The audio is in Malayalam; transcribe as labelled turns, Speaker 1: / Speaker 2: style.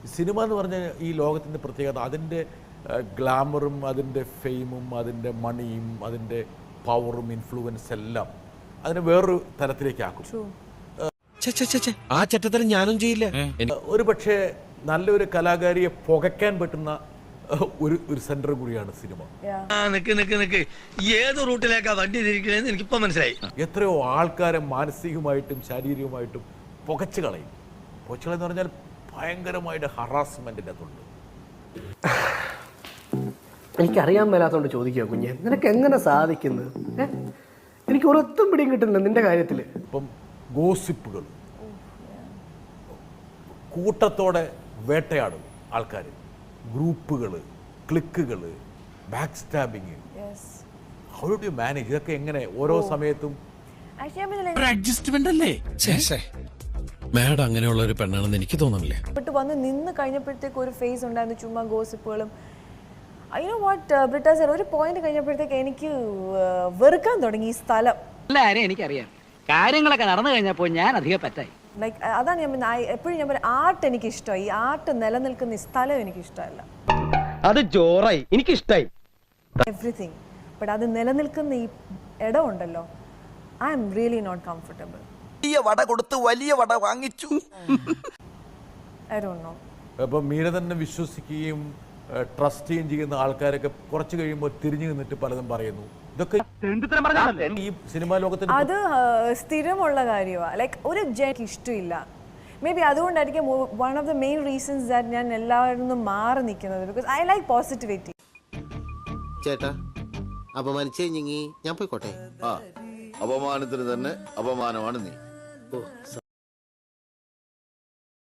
Speaker 1: സിനിമ എന്ന് പറഞ്ഞ ഈ ലോകത്തിൻ്റെ പ്രത്യേകത അതിൻ്റെ ഗ്ലാമറും അതിൻ്റെ ഫെയിമും അതിൻ്റെ മണിയും അതിൻ്റെ പവറും ഇൻഫ്ലുവൻസ് എല്ലാം അതിനെ വേറൊരു തലത്തിലേക്ക് ആക്കും.
Speaker 2: ആ ചട്ടത്തരം ഞാനും ചെയ്യില്ല.
Speaker 1: ഒരു പക്ഷേ നല്ലൊരു കലാകാരിയെ പുകയ്ക്കാൻ പറ്റുന്ന ഒരു സെന്റർ കൂടിയാണ് സിനിമ.
Speaker 3: ഏത് റൂട്ടിലേക്കാ വണ്ടി തിരിക്കണേന്ന് എനിക്കിപ്പോ മനസ്സിലായി.
Speaker 1: എത്രയോ ആൾക്കാരെ മാനസികമായിട്ടും ശാരീരികമായിട്ടും പുകച്ചു കളയും. പുകച്ചു കളയെന്ന് പറഞ്ഞാൽ ഭയങ്കരമായിട്ട് ഹറാസ്മെന്റിൻ്റെ അതുണ്ട്.
Speaker 4: എനിക്കറിയാൻ മേലാത്തോണ്ട് ചോദിക്കുക കുഞ്ഞെ, നിനക്ക് എങ്ങനെ സാധിക്കുന്നത്? എനിക്ക് ഒരൊത്തും പിടിയും കിട്ടുന്നില്ല നിന്റെ കാര്യത്തിൽ.
Speaker 1: ഇപ്പം ഗോസിപ്പുകൾ കൂട്ടത്തോടെ വേട്ടയാടും ആൾക്കാർ, ഗ്രൂപ്പുകൾ, ക്ലിക്കുകൾ, backstabbing. How do you manage ഇതൊക്കെ? എങ്ങനെ ഓരോ സമയത്തും
Speaker 2: അഡ്ജസ്റ്റ്മെന്റ് അല്ലേ? മാഡം അങ്ങനെയുള്ള ഒരു പെണ്ണാണെന്ന് എനിക്ക് തോന്നുന്നില്ല.
Speaker 5: വന്ന് നിന്ന് കഴിഞ്ഞപ്പോഴത്തേക്ക് ഒരു ഫേസ് ഉണ്ടായിരുന്നു, ചുമ്മാ ഗോസിപ്പുകളും. ഐ നോ വാട്ട് ബ്രിട്ട സർ, ഒരു പോയിന്റ് കഴിഞ്ഞപ്പോഴത്തേക്ക് എനിക്ക് വെറുക്കാൻ തുടങ്ങി ഈ സ്ഥലം.
Speaker 6: എല്ലാവരും എനിക്കറിയാം, കാര്യങ്ങളൊക്കെ നടന്നു കഴിഞ്ഞപ്പോൾ ഞാൻ അധികം പറ്റായി.
Speaker 5: ലൈക്ക് അതാണ് ഞാൻ എപ്പോഴും ഞാൻ പറയാം, ആർട്ട് എനിക്ക് ഇഷ്ടമായി. ഈ ആർട്ട് നിലനിൽക്കുന്ന ഈ സ്ഥലം എനിക്ക് ഇഷ്ടമല്ല.
Speaker 6: അത് ജോറായി, എനിക്കിഷ്ടായി
Speaker 5: എവറിഥിങ്. ബട്ട് അത് നിലനിൽക്കുന്ന ഈ ഇടം ഉണ്ടല്ലോ, I'm really not comfortable.
Speaker 7: വലിയ വട കൊടുത്ത് വലിയ വട വാങ്ങിച്ചു.
Speaker 5: I don't know.
Speaker 1: അപ്പം മീര തന്നെ വിശ്വസിക്കുകയും ട്രസ്റ്റ് ചെയ്യുകയും ചെയ്യുന്ന ആൾക്കാരൊക്കെ കുറച്ച് കഴിയുമ്പോൾ തിരിഞ്ഞു നിന്നിട്ട് പലതും പറയുന്നു. ഇതൊക്കെ ഈ സിനിമാ ലോകത്തിന്
Speaker 5: അത് സ്ഥിരമുള്ള കാര്യമാണ്. ലൈക്ക് ഒരു എനിക്ക് ഇഷ്ടമില്ല. മേ ബി അതുകൊണ്ടായിരിക്കും one of the main reasons that ഞാൻ എല്ലാവരിൽ നിന്നും മാറി നിൽക്കുന്നത്. Because I like positivity.
Speaker 8: ചേട്ടാ അപമാനിച്ചേ ഞാൻ പോയിക്കോട്ടെ.
Speaker 9: അപമാനത്തിന് തന്നെ അപമാനമാണ് നീ.